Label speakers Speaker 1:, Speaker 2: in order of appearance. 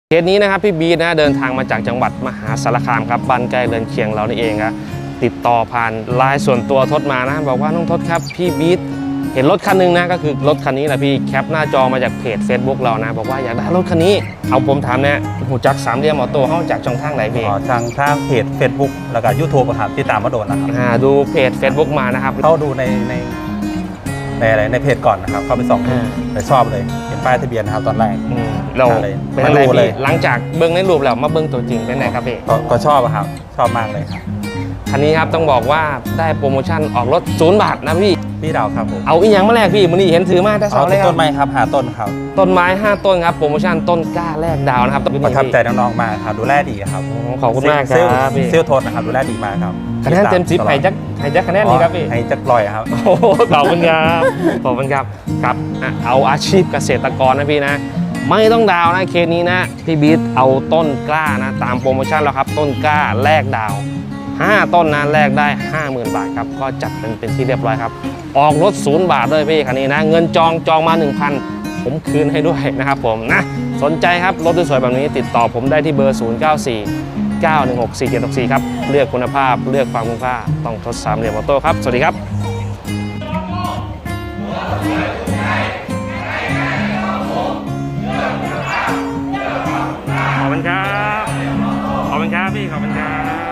Speaker 1: เคสนี้นะครับพี่บีทนะเดินทางมาจากจังหวัดมหาสารคามครับบ้านใกล้เรือนเคียงเรานี่เองครับติดต่อผ่านไลน์ส่วนตัวทศมานะบอกว่าน้องทศครับพี่บีทเห็นรถคันนึงนะก็คือรถคันนี้แหละพี่แคปหน้าจอมาจากเพจ Facebook เรานะบอกว่าอยากได้รถคันนี้เอาผมถามเนี่ยหูจักสามเหลี่ยมออโต้เข้าจากช่องทางไหนพี่
Speaker 2: ทางเพจ Facebook แล้วก็ YouTube ครับที่ตามมาโดนนะครับ
Speaker 1: ดูเพจ Facebook มานะครับ
Speaker 2: เข้าดูในเพจก่อนนะครับเข้าไปส่องไปชอบเลยเห็นป้ายทะเบียนนะครับตอนแรก
Speaker 1: เราเป็นอะไรพี่หลังจากเบิ้งในรูปแล้วมาเบิ้งตัวจริงเป็นไงครับพี่
Speaker 2: ก็ชอบครับชอบมากเลยครับ
Speaker 1: คันนี้ครับต้องบอกว่าได้โปรโมชั่นออกรถ0 บาทนะพี่
Speaker 2: ดาวครับผม
Speaker 1: เอาอีกอย่างมาแรกพี่มื้อนี้เห็นถือมาแต่เสาเลย
Speaker 2: ต้นไม้ครับ5 ต้นครับ
Speaker 1: ต้นไม้5 ต้นครับโปรโมชั่นต้นกล้าแรกดาวนะครับ
Speaker 2: ประทับใจน้องๆมากครับดูแลดีครับ
Speaker 1: ขอบคุณมากครับ
Speaker 2: พี่เซลโทนนะครับดูแลดีมากครับ
Speaker 1: คะแนนเต็ม10ให้จักคะแนนนี้ครับพี่
Speaker 2: ให้จักลอยครับ
Speaker 1: โอ้ขอบคุณครับขอบคุณครับครับเอาอาชีพเกษตรกรนะพี่นะไม่ต้องดาวนะเคสนี้นะพี่บีทเอาต้นกล้านะตามโปรโมชั่นแล้วครับต้นกล้าแรกดาว5 ต้นนะแลกได้ 50,000 บาทครับก็จัดเป็นที่เรียบร้อยครับออกรถ0 บาทด้วยพี่คันนี้นะเงินจองมา 1,000 ผมคืนให้ด้วยนะครับผมนะสนใจครับรถสวยๆแบบนี้ติดต่อผมได้ที่เบอร์ 0949164764 ครับเลือกคุณภาพเลือกความคุ้มค่าต้องทดสามเหลี่ยมออโต้ครับสวัสดีครับขอบคุณครับขอบคุณครับพี่ขอบคุณครับ